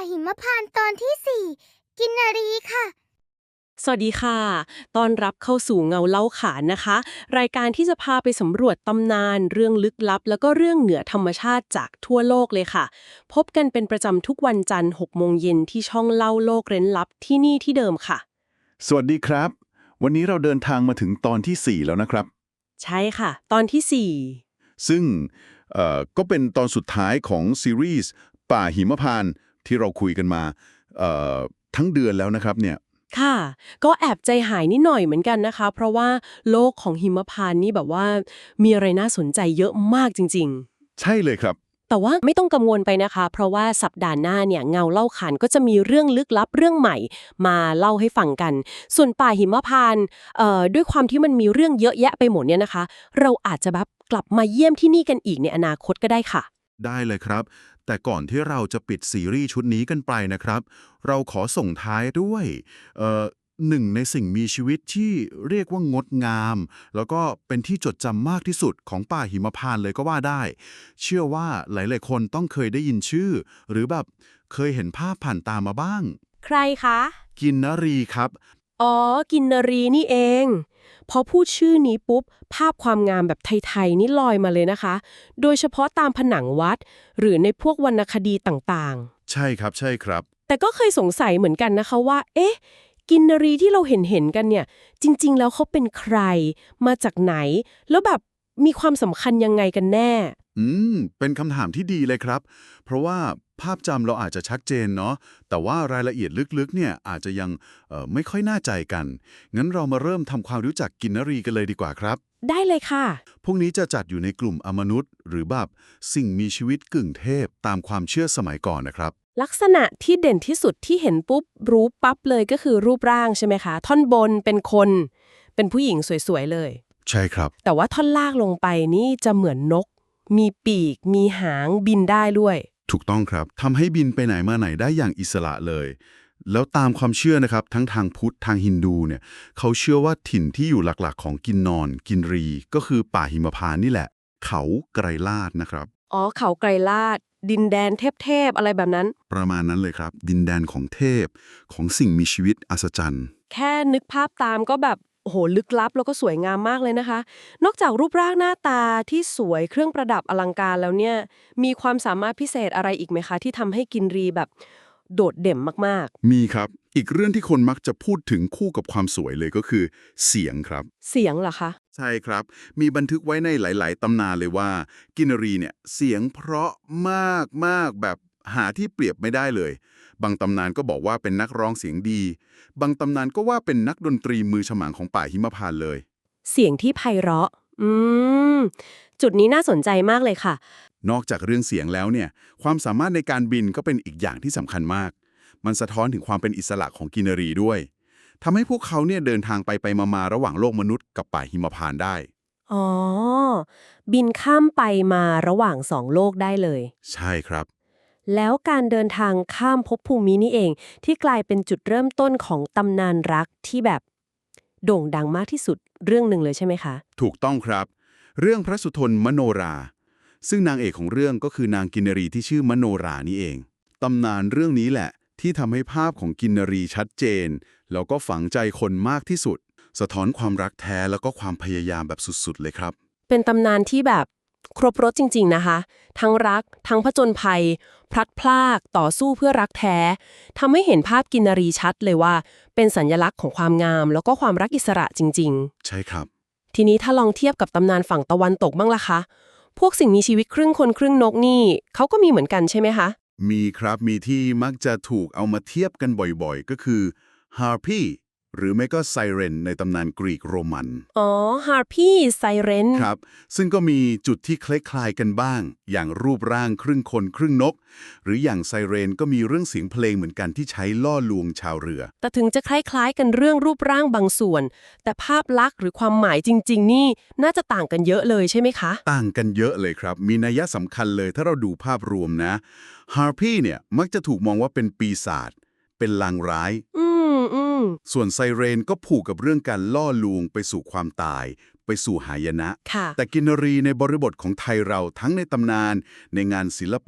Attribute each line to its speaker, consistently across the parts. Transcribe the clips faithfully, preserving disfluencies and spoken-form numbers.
Speaker 1: หิมพานต์ตอนที่สี่กินนารีค่ะ
Speaker 2: สวัสดีค่ะต้อนรับเข้าสู่เงาเล่าขานนะคะ รายการที่จะพาไปสำรวจตำนานเรื่องลึกลับแล้วก็เรื่องเหนือธรรมชาติจากทั่วโลกเลยค่ะ พบกันเป็นประจำทุกวันจันทร์หกโมงเย็นที่ช่องเล่าโลกเร้นลับที่นี่ที่เดิมค่ะ
Speaker 3: สวัสดีครับ วันนี้เราเดินทางมาถึงตอนที่ สี่ แล้วนะครับ
Speaker 2: ใช่ค่ะ ตอนที่สี่
Speaker 3: ซึ่งเอ่อก็เป็นตอนสุดท้ายของซีรีส์ป่าหิมพานต์ที่เราคุยกันมาเอ่อทั้งเดือนแล้วนะครับเนี่ย
Speaker 2: ค่ะ ก็แอบใจหายนิดหน่อยเหมือนกันนะคะ เพราะว่าโลกของหิมพานต์นี่แบบว่ามีอะไรน่าสนใจเยอะมากจริงๆ
Speaker 3: ใช่เลยครับ
Speaker 2: แต่ว่าไม่ต้องกังวลไปนะคะ เพราะว่าสัปดาห์หน้าเนี่ยเงาเล่าขานก็จะมีเรื่องลึกลับเรื่องใหม่มาเล่าให้ฟังกัน ส่วนป่าหิมพานต์เอ่อด้วยความที่มันมีเรื่องเยอะแยะไปหมดเนี่ยนะคะ เราอาจจะแบบกลับมาเยี่ยมที่นี่กันอีกในอนาคตก็ได้ค่ะ
Speaker 3: ได้เลยครับ แต่ก่อนที่เราจะปิดซีรีส์ชุดนี้กันไปนะครับ เราขอส่งท้ายด้วยเอ่อหนึ่งในสิ่งมีชีวิตที่เรียกว่างดงาม แล้วก็เป็นที่จดจำมากที่สุดของป่าหิมพานต์เลยก็ว่าได้ เชื่อว่าหลายๆคนต้องเคยได้ยินชื่อ หรือแบบเคยเห็นภาพผ่านตามาบ้าง
Speaker 2: ใครคะ
Speaker 3: กินนรีครับ
Speaker 2: อ๋อ กินนรีนี่เอง พอพูดชื่อนี้ปุ๊บ ภาพความงามแบบไทยๆนี่ลอยมาเลยนะคะ โดยเฉพาะตามผนังวัด หรือในพวกวรรณคดีต่างๆ
Speaker 3: ใช่ครับใช่ครับ
Speaker 2: แต่ก็เคยสงสัยเหมือนกันนะคะว่า เอ๊ะ กินนรีที่เราเห็นเห็นกันเนี่ย จริงๆ แล้วเขาเป็นใคร มาจากไหน แล้วแบบมีความสำคัญยังไงกันแน่
Speaker 3: อืม เป็นคำถามที่ดีเลยครับ เพราะว่าภาพจำเราอาจจะชัดเจนเนาะ แต่ว่ารายละเอียดลึกๆ เนี่ยอาจจะยังเอ่อไม่ค่อยน่าใจกัน งั้นเรามาเริ่มทำความรู้จักกินนรีกันเลยดีกว่าครับ
Speaker 2: ได้เลยค่ะ
Speaker 3: พวกนี้จะจัดอยู่ในกลุ่มอมนุษย์ หรือแบบสิ่งมีชีวิตกึ่งเทพตามความเชื่อสมัยก่อนนะครับ
Speaker 2: ลักษณะที่เด่นที่สุดที่เห็นปุ๊บรู้ปั๊บเลยก็คือรูปร่างใช่ไหมคะ ท่อนบนเป็นคน เป็นผู้หญิงสวยๆ เลย
Speaker 3: ใช่ครับ
Speaker 2: แต่ว่าท่อนล่างลงไปนี่จะเหมือนนก มีปีก มีหางบินได้ด้วย
Speaker 3: ถูกต้องครับทำให้บินไปไหนมาไหนได้อย่างอิสระเลย แล้วตามความเชื่อนะครับทั้งทางพุทธทางฮินดูเนี่ยเขาเชื่อว่าถิ่นที่อยู่หลักๆของกินนอน กินรี ก็คือป่าหิมพานต์นี่แหละ เขาไกรลาดนะครับ
Speaker 2: อ๋อ เขาไกรลาด ดินแดนเทพๆ อะไรแบบนั้น
Speaker 3: ประมาณนั้นเลยครับ ดินแดนของเทพของสิ่งมีชีวิตอัศจรรย์
Speaker 2: แค่นึกภาพตามก็แบบโอ้โหลึกลับแล้วก็สวยงามมากเลยนะคะ นอกจากรูปร่างหน้าตาที่สวยเครื่องประดับอลังการแล้วเนี่ยมีความสามารถพิเศษอะไรอีกไหมคะ ที่ทำให้กินรีแบบโดดเด่นมาก
Speaker 3: มีครับ อีกเรื่องที่คนมักจะพูดถึงคู่กับความสวยเลยก็คือเสียงครับ
Speaker 2: ๆ เสียงเหรอคะ
Speaker 3: ใช่ครับ มีบันทึกไว้ในหลาย ๆ ตำนานเลยว่า กินรีเนี่ยเสียงเพราะมากมากแบบหาที่เปรียบไม่ได้เลย บางตำนานก็บอกว่าเป็นนักร้องเสียงดี บางตำนานก็ว่าเป็นนักดนตรีมือฉมังของป่าหิมพานต์เลย
Speaker 2: เสียงที่ไพเราะ อืม จุดนี้น่าสนใจมากเลยค่ะ
Speaker 3: นอกจากเรื่องเสียงแล้วเนี่ย ความสามารถในการบินก็เป็นอีกอย่างที่สำคัญมาก มันสะท้อนถึงความเป็นอิสระของกินรีด้วยทำให้พวกเขาเนี่ยเดินทางไปไปมาๆระหว่างโลกมนุษย์กับป่าหิมพานต์ได้
Speaker 2: อ๋อ บินข้ามไปมาระหว่างสองโลกได้เลย
Speaker 3: ใช่ครับ
Speaker 2: แล้วการเดินทางข้ามภพภูมินี่เองที่กลายเป็นจุดเริ่มต้นของตำนานรักที่แบบโด่งดังมากที่สุดเรื่องหนึ่งเลยใช่ไหมคะ
Speaker 3: ถูกต้องครับ เรื่องพระสุทนมโนรา ซึ่งนางเอกของเรื่องก็คือนางกินนรีที่ชื่อมโนรานี่เอง ตำนานเรื่องนี้แหละที่ทำให้ภาพของกินนรีชัดเจน แล้วก็ฝังใจคนมากที่สุด สะท้อนความรักแท้แล้วก็ความพยายามแบบสุดๆเลยครับ
Speaker 2: เป็นตำนานที่แบบครบรสจริงๆนะคะ ทั้งรักทั้งผจญภัย พลัดพรากต่อสู้เพื่อรักแท้ทำให้เห็นภาพกินนารีชัดเลยว่า เป็นสัญลักษณ์ของความงาม แล้วก็ความรักอิสระจริง
Speaker 3: ใช่ครับ
Speaker 2: ๆ ทีนี้ถ้าลองเทียบกับตำนานฝั่งตะวันตกบ้างล่ะคะ พวกสิ่งมีชีวิตครึ่งคนครึ่งนกนี่เขาก็มีเหมือนกันใช่ไหมคะ
Speaker 3: มีครับมีที่มักจะถูกเอามาเทียบกันบ่อยๆ ก็คือ Harpy หรือไม่ก็ไซเรนในตำนานกรีกโรมัน
Speaker 2: อ๋อ ฮาร์พี่ไซเรน
Speaker 3: ครับ ซึ่งก็มีจุดที่คล้ายๆกันบ้าง อย่างรูปร่างครึ่งคนครึ่งนก หรืออย่างไซเรนก็มีเรื่องเสียงเพลงเหมือนกันที่ใช้ล่อลวงชาวเรือ
Speaker 2: แต่ถึงจะคล้ายๆกันเรื่องรูปร่างบางส่วน แต่ภาพลักษณ์หรือความหมายจริงๆนี่น่าจะต่างกันเยอะเลยใช่ไหมคะ
Speaker 3: ต่างกันเยอะเลยครับ มีนัยสำคัญเลยถ้าเราดูภาพรวมนะ Harpy เนี่ยมักจะถูกมองว่าเป็นปีศาจ เป็นลางร้าย
Speaker 2: อืมอืม
Speaker 3: ส่วนไซเรนก็ผูกกับเรื่องการล่อลวงไปสู่ความตาย ไปสู่หายนะ
Speaker 2: ค่ะ
Speaker 3: แต่กินรีในบริบทของไทยเราทั้งในตำนานในงานศิลปะ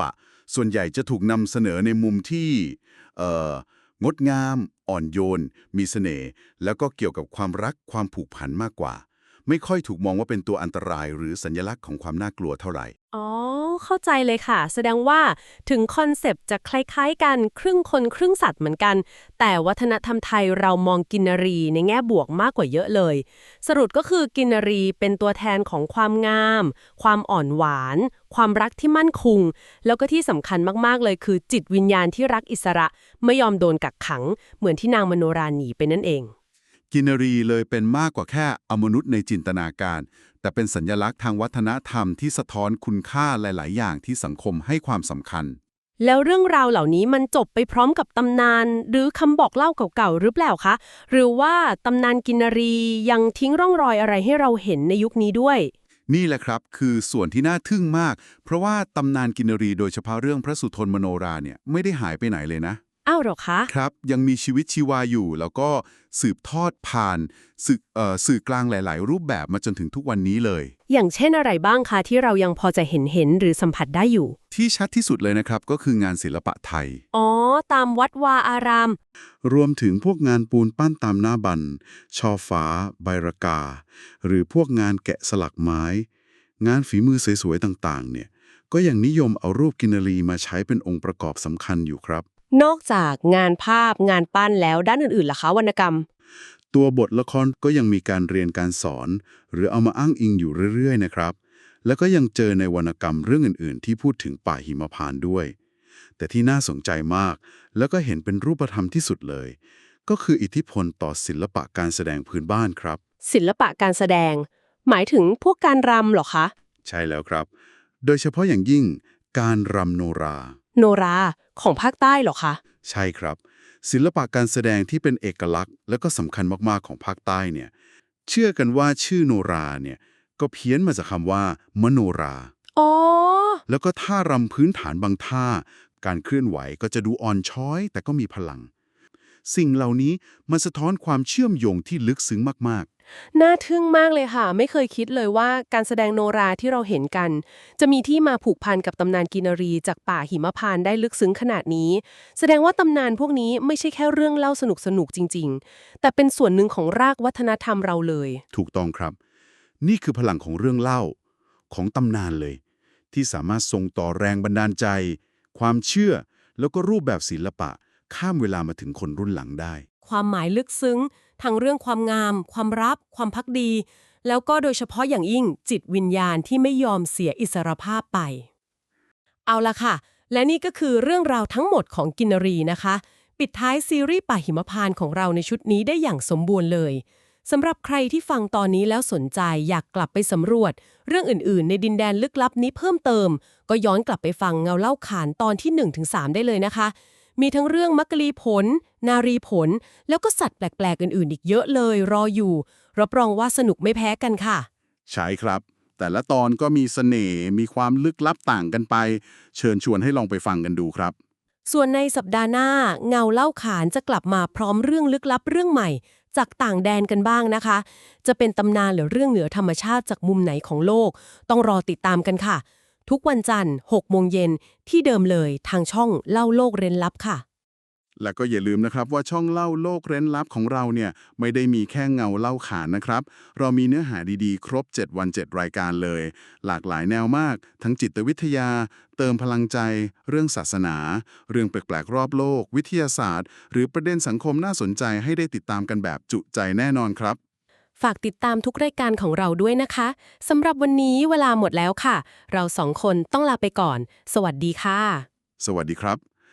Speaker 3: ส่วนใหญ่จะถูกนำเสนอในมุมที่เอ่องดงาม อ่อนโยน มีเสน่ห์แล้วก็เกี่ยวกับความรักความผูกพันมากกว่า ไม่ค่อยถูกมองว่าเป็นตัวอันตรายหรือสัญลักษณ์ของความน่ากลัวเท่าไหร่
Speaker 2: อ๋อ เข้าใจเลยค่ะ แสดงว่าถึงคอนเซปต์จะคล้ายๆกันครึ่งคนครึ่งสัตว์เหมือนกัน แต่วัฒนธรรมไทยเรามองกินนารีในแง่บวกมากกว่าเยอะเลย สรุปก็คือกินนารีเป็นตัวแทนของความงาม ความอ่อนหวาน ความรักที่มั่นคง แล้วก็ที่สำคัญมากๆเลยคือจิตวิญญาณที่รักอิสระไม่ยอมโดนกักขัง เหมือนที่นางมโนราหนีไปนั่นเอง
Speaker 3: กินรีเลยเป็นมากกว่าแค่อมนุษย์ในจินตนาการ แต่เป็นสัญลักษณ์ทางวัฒนธรรมที่สะท้อนคุณค่าหลาย ๆ อย่างที่สังคมให้ความสำคัญ
Speaker 2: แล้วเรื่องราวเหล่านี้มันจบไปพร้อมกับตำนาน หรือคำบอกเล่าเก่าๆหรือเปล่าคะ หรือว่าตำนานกินนารียังทิ้งร่องรอยอะไรให้เราเห็นในยุคนี้ด้วย
Speaker 3: นี่แหละครับคือส่วนที่น่าทึ่งมาก เพราะว่าตำนานกินรีโดยเฉพาะเรื่องพระสุทนมโนราเนี่ยไม่ได้หายไปไหนเลยนะ
Speaker 2: อ้าวเหรอคะ
Speaker 3: ครับยังมีชีวิตชีวาอยู่ แล้วก็สืบทอดผ่านสื่อเอ่อสื่อกลางหลาย ๆ รูปแบบมาจนถึงทุกวันนี้เลย
Speaker 2: อย่างเช่นอะไรบ้างคะที่เรายังพอจะเห็นเห็นหรือสัมผัสได้อยู่
Speaker 3: ที่ชัดที่สุดเลยนะครับก็คืองานศิลปะไทย
Speaker 2: อ๋อ ตามวัดวาอาราม
Speaker 3: รวมถึงพวกงานปูนปั้นตามหน้าบันช่อฟ้า ใบรากา หรือพวกงานแกะสลักไม้ งานฝีมือสวยๆต่างๆเนี่ยก็ยังนิยมเอารูปกินรีมาใช้เป็นองค์ประกอบสำคัญอยู่ครับ
Speaker 2: นอกจากงานภาพงานปั้นแล้วด้านอื่นๆล่ะคะวรรณกรรม
Speaker 3: ตัวบทละครก็ยังมีการเรียนการสอน หรือเอามาอ้างอิงอยู่เรื่อยๆนะครับ แล้วก็ยังเจอในวรรณกรรมเรื่องอื่นๆ ที่พูดถึงป่าหิมพานต์ด้วย แต่ที่น่าสนใจมาก แล้วก็เห็นเป็นรูปธรรมที่สุดเลย ก็คืออิทธิพลต่อศิลปะการแสดงพื้นบ้านครับ
Speaker 2: ศิลปะการแสดง หมายถึงพวกการรำเหรอคะ
Speaker 3: ใช่แล้วครับ โดยเฉพาะอย่างยิ่งการรำโนรา
Speaker 2: โนราของภาคใต้เหรอคะ
Speaker 3: ใช่ครับ ศิลปะการแสดงที่เป็นเอกลักษณ์และก็สำคัญมากๆของภาคใต้เนี่ยเชื่อกันว่าชื่อโนราเนี่ยก็เพี้ยนมาจากคำว่ามโนรา
Speaker 2: อ๋อ
Speaker 3: แล้วก็ท่ารำพื้นฐานบางท่า การเคลื่อนไหวก็จะดูอ่อนช้อย แต่ก็มีพลัง สิ่งเหล่านี้มันสะท้อนความเชื่อมโยงที่ลึกซึ้งมาก
Speaker 2: น่าทึ่งมากเลยค่ะ ไม่เคยคิดเลยว่าการแสดงโนราที่เราเห็นกัน จะมีที่มาผูกพันกับตำนานกินรีจากป่าหิมพานต์ได้ลึกซึ้งขนาดนี้ แสดงว่าตำนานพวกนี้ไม่ใช่แค่เรื่องเล่าสนุกๆจริงๆ แต่เป็นส่วนหนึ่งของรากวัฒนธรรมเราเลย
Speaker 3: ๆ ถูกต้องครับ นี่คือพลังของเรื่องเล่าของตำนานเลย ที่สามารถส่งต่อแรงบันดาลใจ ความเชื่อ แล้วก็รูปแบบศิลปะ ข้ามเวลามาถึงคนรุ่นหลังได้
Speaker 2: ความหมายลึกซึ้งทั้งเรื่องความงาม ความรัก ความภักดี แล้วก็โดยเฉพาะอย่างยิ่งจิตวิญญาณที่ไม่ยอมเสียอิสรภาพไป เอาละค่ะ และนี่ก็คือเรื่องราวทั้งหมดของกินรีนะคะ ปิดท้ายซีรีส์ป่าหิมพานต์ของเราในชุดนี้ได้อย่างสมบูรณ์เลยสำหรับใครที่ฟังตอนนี้แล้วสนใจอยากกลับไปสำรวจ เรื่องอื่นๆ ในดินแดนลึกลับนี้เพิ่มเติม ก็ย้อนกลับไปฟังเงาเล่าขานตอนที่ หนึ่งถึงสาม ได้เลยนะคะ มีทั้งเรื่องมักกะลีผล นารีผล แล้วก็สัตว์แปลกๆอื่นๆอีกเยอะเลยรออยู่รับรองว่าสนุกไม่แพ้กันค่ะ
Speaker 3: ใช่ครับ แต่ละตอนก็มีเสน่ห์มีความลึกลับต่างกันไป เชิญชวนให้ลองไปฟังกันดูครับ
Speaker 2: ส่วนในสัปดาห์หน้าเงาเล่าขานจะกลับมาพร้อมเรื่องลึกลับเรื่องใหม่ จากต่างแดนกันบ้างนะคะ จะเป็นตำนานหรือเรื่องเหนือธรรมชาติจากมุมไหนของโลก ต้องรอติดตามกันค่ะ ทุกวันจันทร์หกโมงเย็นที่เดิมเลยทางช่องเล่าโลกเร้นลับค่ะ
Speaker 3: และก็อย่าลืมนะครับว่าช่องเล่าโลกเร้นลับของเราเนี่ยไม่ได้มีแค่เงาเล่าขานนะครับ เรามีเนื้อหาดีๆ ครบ เจ็ด วัน เจ็ด รายการเลย หลากหลายแนวมาก ทั้งจิตวิทยา เติมพลังใจ เรื่องศาสนา เรื่องแปลกๆรอบโลก วิทยาศาสตร์ หรือประเด็นสังคมน่าสนใจให้ได้ติดตามกันแบบจุใจแน่นอนครับ
Speaker 2: ฝากติดตามทุกรายการของเราด้วยนะคะสำหรับวันนี้เวลาหมดแล้วค่ะ เราสองคนต้องลาไปก่อน สวัสดีค่ะ
Speaker 3: สวัสดีครับ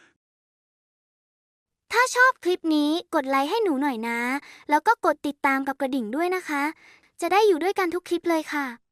Speaker 1: ถ้าชอบคลิปนี้กดไลค์ให้หนูหน่อยนะ แล้วก็กดติดตามกับกระดิ่งด้วยนะคะ จะได้อยู่ด้วยกันทุกคลิปเลยค่ะ